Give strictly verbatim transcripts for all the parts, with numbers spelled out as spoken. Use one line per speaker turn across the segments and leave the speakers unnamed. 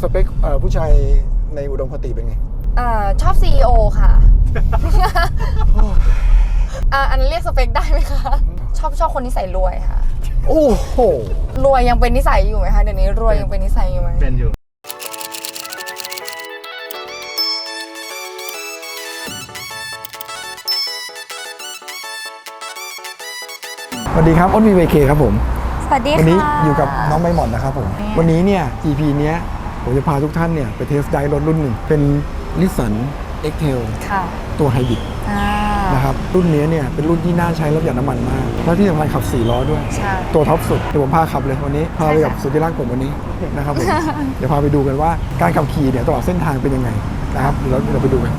สเปคผู้ชายในอุดมคติเป็นไง
อ่าชอบ ซี อี โอ ค่ะ อ่าอันนั้นเรียกสเปคได้ไหมคะชอบชอบคนนิสัยรวยค่ะ
โอ้โห
รวยยังเป็นนิสัยอยู่ไหมคะเดี๋ยวนี้รวยยังเป็นนิสัยอยู่ไหม
เป็นอยู่
สวัสดีครับอ้นวี วี เค ครับผม
สวัสดีค่ะ
วันนี้อยู่กับน้องใบหม่อนนะครับผมวันนี้เนี่ย อี พี เนี้ยผมจะพาทุกท่านเนี่ยไปเทสไดรถรุ่นหนึ่งเป็น Nissan X-Trail ตัวไฮบริดนะครับรุ่นนี้เนี่ยเป็นรุ่นที่น่าใช้รถหยอดน้ำมันมากแล้วที่สำคัญขับสี่ล้อด้วยตัวท็อปสุดเดี๋ยวผมพาขับเลยวันนี้พาไปกับสุดที่รักผมวันนี้นะครับผมเดี๋ยวพาไปดูกันว่าการขับขี่เนี่ยตลอดเส้นทางเป็นยังไงนะครับเดี๋ยวเราไปดูกัน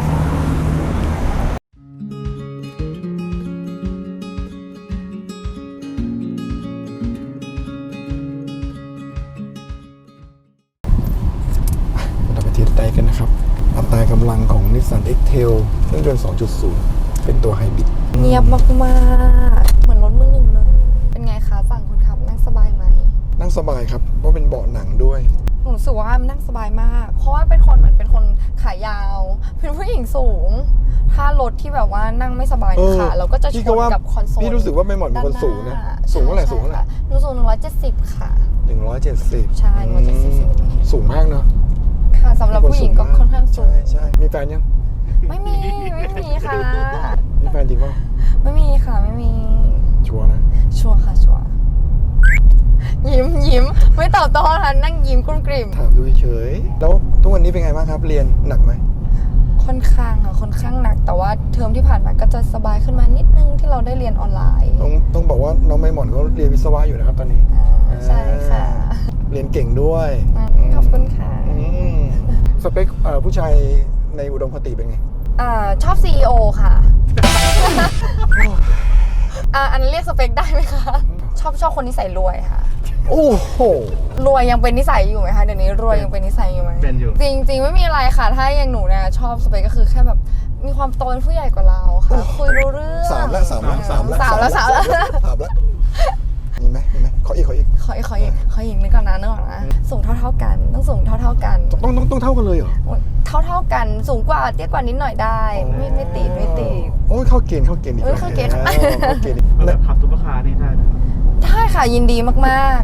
ไปกันนะครับอัตรากำลังของ Nissan X-Trail เครื่องยนต์ สองจุดศูนย์ เป็นตัวไฮบริด
เงียบมากๆเหมือนรถมือหนึ่งเลยเป็นไงคะฝั่งคนขับนั่งสบายไหม
นั่งสบายครับเพราะเป็นเบาะหนังด้วย
หนูรู้สึกว่ามันนั่งสบายมากเพราะว่าเป็นคนเหมือนเป็นคนขายาวเป็นผู้หญิงสูงถ้ารถที่แบบว่านั่งไม่สบายค่ะเราก็จะชนกับคอนโซล
พี่รู้สึกว่าไม่เหมาะเป็นคนสูงนะสูงเท่าไหร่สูงเท่าไหร่
หนูสูงหนึ่งร้อยเจ็ดสิบค่ะ
หนึ่งร้อยเจ็ดสิบ
ใช่หนึ่งร้อยเจ็ดสิบเซนติเมตร
สูงมากเนาะ
ค่ะสำหรับผู้หญิงก็ค่อนข้างสูง
ใช่ใช่มีแฟนยัง
ไม่มีไม่มีค่ะ
มีแฟนจริงป่ะ
ไม่มีค่ะไม่มี
ชัวร์นะ
ชัวร์ค่ะชัวร์ยิ้มยิ้มไม่ตอบโต้ค่ะนั่งยิ้มกลุ้มกลิ่ม
ถามดูเฉยแล้วทุกวันนี้เป็นไงบ้างครับเรียนหนักไหม
ค่อนข้างค่ะค่อนข้างหนักแต่ว่าเทอมที่ผ่านมาก็จะสบายขึ้นมานิดนึงที่เราได้เรียนออนไลน์
ต้องต้องบอกว่าน้องไม่หมอนเขาเรียนวิศวะอยู่นะครับตอนนี้
ใช่ค่ะ
เรียนเก่งด้วย
ขอบคุณค่ะ
สเปคผู้ชายในอุดมคติเป็นไง
อ่าชอบ ซี อี โอ ค่ะอ่าอันนั้นเรียกสเปคได้ไหมคะชอบชอบคนนิสัยรวยค่ะ
โอ้โห
รวยยังเป็นนิสัยอยู่ไหมคะเดี๋ยวนี้รวยยังเป็นนิสัยอยู่ไหม
เป็นอยู่
จริงจริงไม่มีอะไรค่ะถ้าอย่างหนูเนี่ยชอบสเปคก็คือแค่แบบมีความโตเป็นผู้ใหญ่กว่าเราค่ะคุยรู้เรื่อง
สามแล้วสามแล้วสามแล้ว
สามแล้วสามแล้ว
สามแล้วมีไหมมีไหมขออีกขออีก
ขออีกขออีกขออีกนึกก่อนนะนึกก่อนนะสูงเท่าเท่ากันต้องสูงเท่าเท่ากัน
ต้องต้องต้องเท่ากันเลยเหรอ
เท่าเท่ากันสูงกว่าเตี้ยกว่านิดหน่อยได้ไม่ไม่ติดไม่ติด
โอ้ยเข้าเกณฑ์เข้าเกณฑ์อีก
เข้าเกณฑ์เข้า
เกณฑ์แบบขับซุปเปอร์คาร์นี่ได้
ได้ค่ะยินดีมาก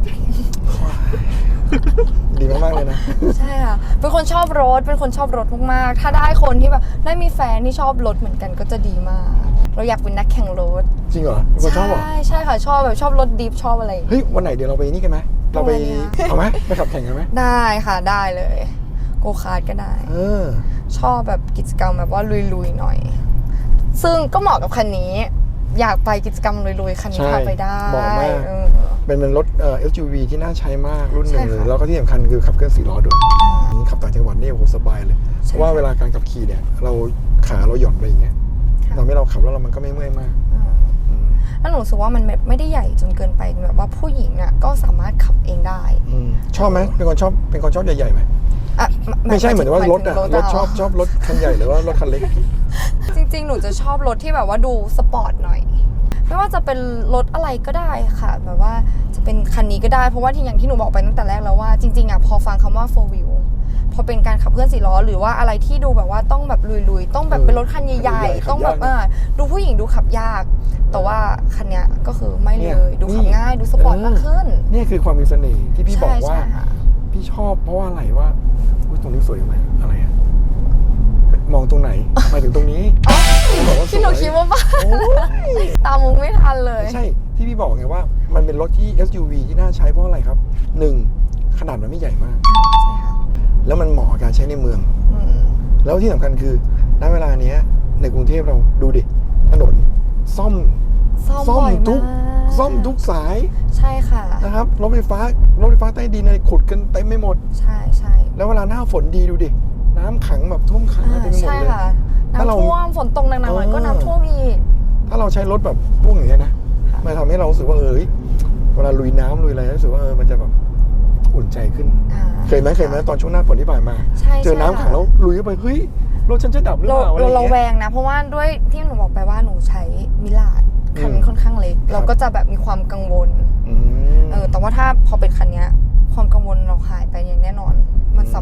ๆดีมากๆเลยนะ
ใช่ค่ะเป็นคนชอบรถเป็นคนชอบรถมากๆถ้าได้คนที่แบบได้มีแฟนที่ชอบรถเหมือนกันก็จะดีมากเราอยากเป็นนักแข่งรถ
จริงเหรอเป็นคนชอบเหรอ
ใช่ใช่ค่ะชอบแบบชอบรถดิฟชอบอะไร
เฮ้ยวันไหนเดี๋ยวเราไปนี่กันไหมเราไปเอาไหมไปขับแข่งกันไหม
ได้ค่ะได้เลยโกคาร์ทก็ได้
เออ
ชอบแบบกิจกรรมแบบว่าลุยๆหน่อยซึ่งก็เหมาะกับคันนี้อยากไปกิจกรรมลุยๆคันนี้พาไปได้
เหมาะมากเป็นเป็นรถเอ่อ เอส ยู วี ที่น่าใช้มากรุ่นหนึ่งเลยแล้วก็ที่สำคัญคือขับเคลื่อนสี่ล้อด้วยขับต่างจังหวัดนี่โอ้โหสบายเลยเพราะว่าเวลาการขับขี่เนี่ยเราขาเราหย่อนไปอย่างเงี้ยทำให้เราขับแล้วมันก็ไม่เมื่อยมาก
แล้วหนูรู้สึกว่ามันไม่ได้ใหญ่จนเกินไปแบบว่าผู้หญิงอ่ะก็สามารถขับเองได้
ชอบไหมเป็นคนชอบเป็นคนชอบใหญ่ๆไหมไม่ใช่เหมือนว่ารถอะรถชอบชอบรถคันใหญ่หรือว่ารถคันเล็ก
จริงๆหนูจะชอบรถที่แบบว่าดูสปอร์ตหน่อยไม่ว่าจะเป็นรถอะไรก็ได้ค่ะแบบว่าจะเป็นคันนี้ก็ได้เพราะว่าที่อย่างที่หนูบอกไปตั้งแต่แรกแล้วว่าจริงๆอ่ะพอฟังคำว่า โฟร์ wheel พอเป็นการขับเคลื่อนสี่ล้อหรือว่าอะไรที่ดูแบบว่าต้องแบบลุยๆต้องแบบเป็นรถคันใหญ่ๆต้องแบบอ่าดูผู้หญิงดูขับยากแต่ว่าคันเนี้ยก็คือไม่เลยดูขับง่ายดูสปอร์ตมากขึ้น
นี่คือความมีเสน่ห์ที่พี่บอกว่าพี่ชอบเพราะว่าอะไรว่าตรงนี้สวยไหมอะไรอะมองตรงไหนหมายถึงตรงนี้
ที่หนูคิดว่าบ้าตามมุงไม่ทันเลย
ใช่ที่พี่บอกไงว่ามันเป็นรถที่ เอส ยู วี ที่น่าใช้เพราะอะไรครับหนึ่งขนาดมันไม่ใหญ่มากแล้วมันเหมาะกับการใช้ในเมืองแล้วที่สำคัญคือณเวลานี้ในกรุงเทพเราดูดิถนนซ่อม
ซ่อม
ทุกซ่อมทุกสาย
ใช่ค่ะ
นะครับรถไฟฟ้ารถไฟฟ้าใต้ดินอะไรขุดกันเต็มไม่หมด
ใช่ใช่
แล้วเวลาหน้าฝนดีดูดิน้ำขังแบบท่วมขังเต็มไปหมดเลย
น้ำท่วมฝนตกหนักๆหน่อยก็น้ำท่วมอีก
ถ้าเราใช้รถแบบพวกอย่างนี้นะมันทำให้เรารู้สึกว่าเออเวลาลุยน้ำลุยอะไรรู้สึกว่าเออมันจะแบบอุ่นใจขึ้นเคยไหมเคยไหมตอนช่วงหน้าฝนที่ผ่านมาเจอน้ำขังแล้วลุยเข้าไปเฮ้ยรถฉันจะดับหรือเปล่าอะไรเงี้ย
เราแวงนะเพราะว่าด้วยที่หนูบอกไปว่าหนูใช้มิลาดคันค่อนข้างเล็กเราก็จะแบบมีความกังวลเออแต่ว่าถ้าพอเป็นคันนี้ความกังวลเราหายไปอย่างแน่นอนมัน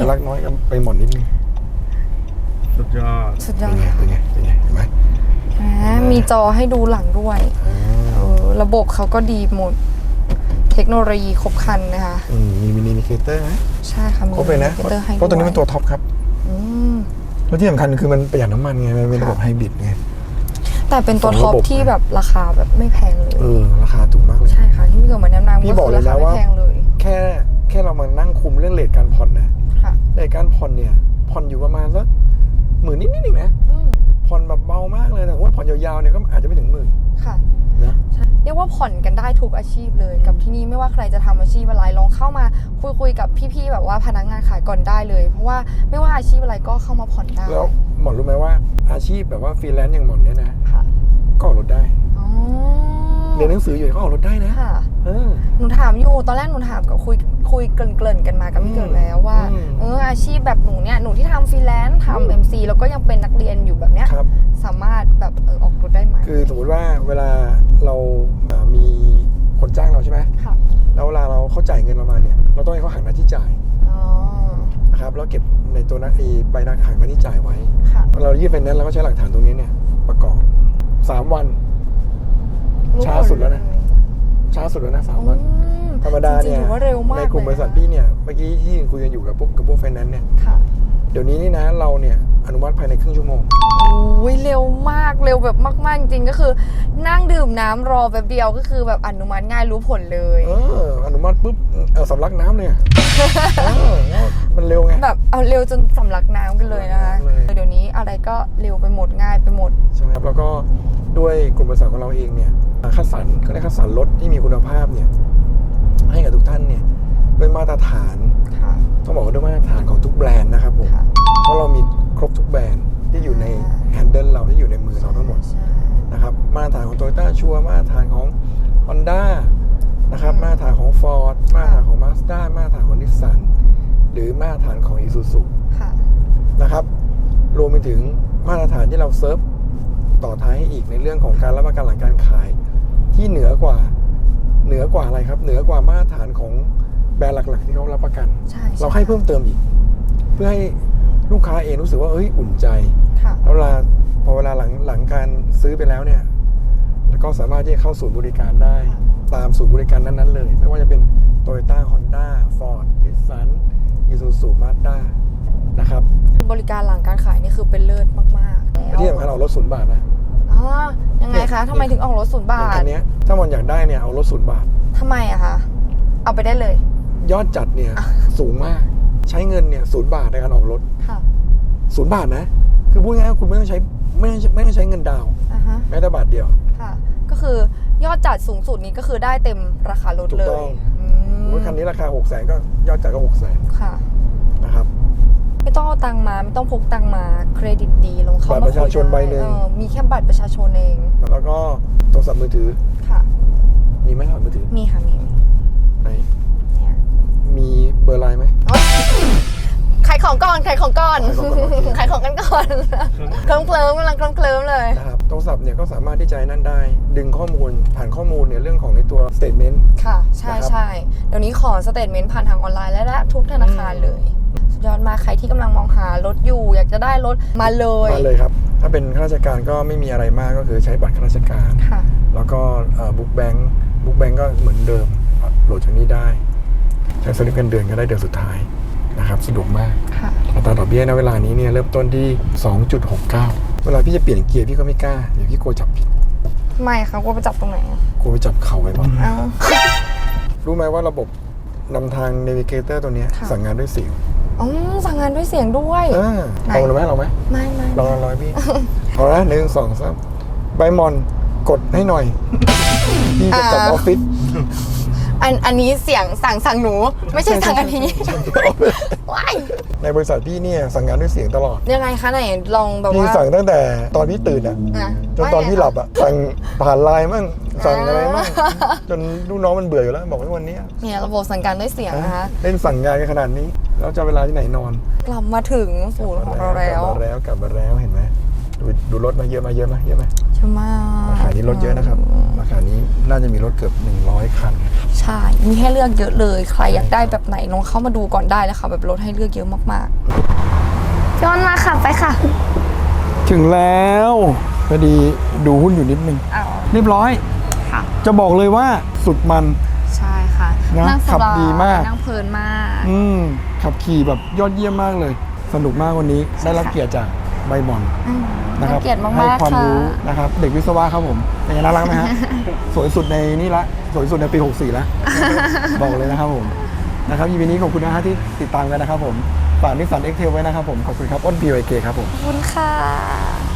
รักน้อยก็ไปหมอนนิดนึง
สุดยอด
สุดยอ
เป็
ด
นไงเป็นไงเป็นไงเห็นไหม
อ่ามีจอให้ดูหลังด้วยเออระบบเขาก็ดีหมด เทคโนโลยีครบครันนะคะ
อืมมีมินิมิเคเตอร์ไหม
ใช่ค่ะมี
ครบเลยนะ
มิเตอร์ให้
เพราะตัวนี้
ด้วย
เป็นตัวท็อปครับ
อืม
แล้วที่สำคัญคือมันประหยัดน้ำมันไงมันเป็นระบบไฮบริดไง
แต่เป็นตัว
สอง
ท็อ
ระ
ป
บบ
ที่แบบราคาแบบไม่แพงเลย
เออราคาถูกมากเลย
ใช่ค่ะที่พี่เกิดมาแนะนำ
พี่
ก็
บอก
คือ
เลย
ราคา
นะ
ไม่
ว่า
แพงเลย
แค่แค่เรามานั่งคุมเรื่องเลทการผ่อนนะ
ค่ะ
เลทการผ่อนเนี่ยผ่อนอยู่ประมาณสักหมื่นนิดนิดนึงนะ
อืม
ผ่อนแบบเบามากเลยแต่ว่าผ่อนยาวๆเนี่ยก็อาจจะไม่ถึงหมื่น
ค่ะ
นะ
ใช่เรียกว่าผ่อนกันได้ทุกอาชีพเลยกับที่นี่ไม่ว่าใครจะทำอาชีพอะไรลองเข้ามาคุยคุยกับพี่ๆแบบว่าพนักงานขายก่อนได้เลย เพราะว่าไม่ว่าอาชีพอะไรก็เข้ามาผ่อนได้
แล้วหมอนรู้ไหมว่าอาชีพแบบว่าฟรีแลนซ์อย่างหมอนเนี่ยนะ
ค่ะ
ก็ออกรถได้
อ๋อ
เรียนหนังสืออยู่ก็ออกรถได้นะ
ค่ะ
เออ
หนูถามอยู่ตอนแรกหนูถามกับคุยคุยเกริ่นๆกันมากับพี่เกิดแล้วว่า
อืม
เอออาชีพแบบหนูเนี่ยหนูที่ทำฟรีแลนซ์ทำเอ็มซีแล้วก็ยังเป็นนักเรียนอยู่แบบเนี้ย
ครับ
สามารถแบบเออออกรถได้ไหม
คือสมมติว่าเวลาเราเอ่อมีคนจ้างเราใช่ไหม
ค่ะ
แล้วเวลาเราเขาจ่ายเงินเรามาเนี่ยเราต้องให้เขาหักหน้าที่จ่าย
อ๋อ
นะครับแล้วเก็บในตัวนักไอ้ใบนักหักหน้าที่จ่ายไว้
ค่ะ
เรายื่นไฟแนนซ์เราก็ใช้หลักฐานตรงนี้เนี่ยประกอบสามวัน
รู้
ช้าสุดแล้วนะ ช้าสุดแล้วนะสาม
อื
วัน
ม
ธรรมดาเนี่ย
จริงๆถือว่าเร็วมาก
ในกลุ่มบ
เลย
ริษัท
นะคะ
พี่เนี่ยเมื่อกี้ที่คุยกันอยู่กับพวกกับพวกไฟแนนซ์เนี่ย
ค่ะ
เดี๋ยวนี้นี่นะเราเนี่ยอนุมัติภายในครึ่งชั่วโมง
โอ้ยเร็วมากเร็วแบบมากๆจริงๆก็คือ นั่งดื่มน้ำรอแป๊บเดียวก็คือแบบอนุมัติง่ายรู้ผลเลย
เอออนุมัติปุ๊บเออสำลักน้ำเลยอะเออมันเร็วไง
แบบเอาเร็วจนสำลักน้ำกันเลยนะคะ
สำลักน้ำเลย
เดี๋ยวนี้อะไรก็เร็วไปหมดง่ายไปหมด
ใช่ไหมครับแล้วก็ด้วยกลุ่มบริษัทของเราเองเนี่ยคัดสรรก็ได้คัดสรรรถที่มีคุณภาพเนี่ยให้กับทุกท่านเนี่ยด้วยมาตรฐาน
ค่ะ
ต้องบอกว่าด้วยมาตรฐานของทุกแบรนด์นะครับผม
ค่ะ
เพราะเรามีครบทุกแบรนด์ที่อยู่ในแฮนเดิลเราที่อยู่ในมือเราทั้งหมด
ใช่
นะครับมาตรฐานของ Toyota ชัวร์มาตรฐานของ Honda นะครับมาตรฐานของ Ford มาตรฐานของ Mazda มาตรฐานของ Nissan หรือมาตรฐานของ Isuzu
ค่ะ
นะครับรวมไปถึงมาตรฐานที่เราเซิร์ฟต่อท้ายให้อีกในเรื่องของการรับประกันหลังการขายที่เหนือกว่าเหนือกว่าอะไรครับเหนือกว่ามาตรฐานของแบรนด์หลักๆที่เขารับประกัน
ใช่
เราให้เพิ่มเติมอีก เพื่อให้ลูกค้าเองรู้สึกว่าเอ้ยอุ่นใจ
ค่ะ
แล้วเวลาพอเวลาหลังหลังการซื้อไปแล้วเนี่ยแล้วก็สามารถที่จะเข้าศูนย์บริการได้ ตามศูนย์บริการนั้นๆเลย ไม่ว่าจะเป็น Toyota Honda Ford Nissan Isuzu Mazda นะครับ
บริการหลังการขายนี่คือเป็นเลิศมากๆ
ที่สำคัญเอารถศูนย์บาทนะ
อ๋อยังไงคะทำไมถึงออกรถศูนย์บา
อย่าง
ท
คันเนี้ยถ้ามันอยากได้เนี่ยเอารถศูนย์บาท
ทำไมอะคะเอาไปได้เลย
ยอดจัดเนี่ยสูงมากใช้เงินเนี่ยศูนย์บาทในการออกรถ
ค่ะ
ศูนย์บาทนะคือพูดง่ายๆคุณไม่ต้องใช้ไม่ต้องไม่ต้องใช้เงินดาวน์
อ่าฮะ
แม้แต่บาทเดียว
ค่ะ ก็คือยอดจัดสูงสุดนี้ก็คือได้เต็มราคารถ
ถูก
เล
ต้
ย
อง
อืม
รถคันนี้ราคาหกแสนก็ยอดจัดก็หกแสน
ค่ะ
นะครับ
ไม่ต้องเอาตังค์มาไม่ต้องพกตังค์มาเครดิตดีลงเข้า
บัตร
มา
ประชาชน
คุยได้
ใบหนึ่ง
เออมีแค่บัตรประชาชนเอง
แล้วก็โทรศัพท์มือถือ
ค่ะ
มีไหมโทรศัพท์มือถือ
มีค่ะมีมี
ไหน
เนี่ย
มีเบอร์ไลน์ไหม
โอ๊ยขายของก่อนขายของก่อน
ขายของก่อน
ขายของกันก่อนเคลิ้มเคลิ้มกำลังเคลิ้มเคลิ้มเลย
นะครับโทรศัพท์เนี่ยก็สามารถที่จะนั่นได้ ดึงข้อมูลผ่านข้อมูลเนี่ยเรื่องของในตัว statement
ค่ะ ใช่
นะครับ
ใช่เดี๋ยวนี้ขอสเตทเมนต์ผ่านทางออนไลน์และและทุกธนาคารเลยสุดยอดมากใครที่กำลังมองหารถอยู่ อยากจะได้รถมาเลย
มาเลยครับ ถ้าเป็นข้าราชการก็ไม่มีอะไรมากก็คือใช้บัตรข้าราชการ
ค่ะ
แล้วก็บุ๊กแบงค์บุ๊กแบงค์ก็เหมือนเดิมโหลดจากนี้ได้ ใช้สลิปเงินเดือนก็ได้เดือนสุดท้ายนะครับสะดวกมาก
ค่ะ
อัตราดอกเบี้ยณเวลานี้เนี่ยเริ่มต้นที่ สองจุดหกเก้า เวลาพี่จะเปลี่ยนเกียร์พี่ก็ไม่กล้าเดี๋ยวพี่กลัวจับผิด
ไม่ค่ะว่าไปจับตรงไหนอะ
กลัวไปจับเข่าไปบ้าง
เอ้า
รู้ไหมว่าระบบนำทาง Navigator ตัวเนี้ย
ค่ะ
สั่งงานด้วยเสียง
อ๋อสั่งงานด้วยเสียงด้วย
เออ
ไหน
ลองเลยไหมลองไหม
ไม่ไม่
ลองลองลองพี่ เอาละหนึ่งสองสามใบมอนกดให้หน่อยพี่จะกลับออฟฟิศ
อันอันนี้เสียงสั่งสั่งหนู ไม่ใช่สั่งอันนี้ว้าย
ในบริษัทพี่เนี่ยสั่งงานด้วยเสียงตลอด
ยังไงคะไหนลองแบบ
พี่
ว่า
สั่งตั้งแต่ตอนพี่ตื่นอะ
อ่ะ
จนตอนพี่หลับอะสั่งผ่านไลน์มั่งสั่งอะไรมั่ง
อ่า
จนลูกน้องมันเบื่ออยู่แล้วบอกว่าวันนี้
เนี่ยระบบสั่งการด้วยเสียงนะคะ
เล่นสั่งงานกันขนาดนี้แล้วจะเวลาที่ไหนนอน
กลับมาถึงศูนย์ของเราแล้ว
กลับมาแล้วกลับมาแล้วเห็นไหมดูดูรถมาเยอะมาเยอะไหมเยอะไหม
ใช่มาก
ราคานี้รถเยอะนะครับราคานี้น่าจะมีรถเกือบหนึ่งร้อยคัน
ใช่มีให้เลือกเยอะเลยใครอยากได้แบบไหนลองเข้ามาดูก่อนได้เลยค่ะแบบรถให้เลือกเยอะมากๆย้อนมาค่ะไปค่ะ
ถึงแล้วพอดีดูหุ้นอยู่นิดนึง
อ้าว
เรียบร้อย
ค่ะ
จะบอกเลยว่าสุดมัน
ใช่ค่ะ
นะ
นั่ง
ขับดีมาก
นั่งเพลินมาก
อืมขับขี่แบบยอดเยี่ยมมากเลย สนุกมากวันนี้ได้รับเกียรติจากใบบอล
อืม
นะครับ
ให้เกียรติ
ให้
มาก
ความ
ๆค่ะ
รู้นะครับเด็กวิศวะครับผมเป็นไงน่ารักไหม ฮะ สวยสุดในนี่ละสวยสุดในปีหกสี่แล้ว บอกเลยนะครับผมนะครับยีนี้ขอบคุณนะฮะที่ติดตามกันนะครับผมฝากนิสสันเอ็กเทลไว้นะครับผมขอบคุณครับอ้น พี วาย เค ครับผม
ขอบคุณค่ะ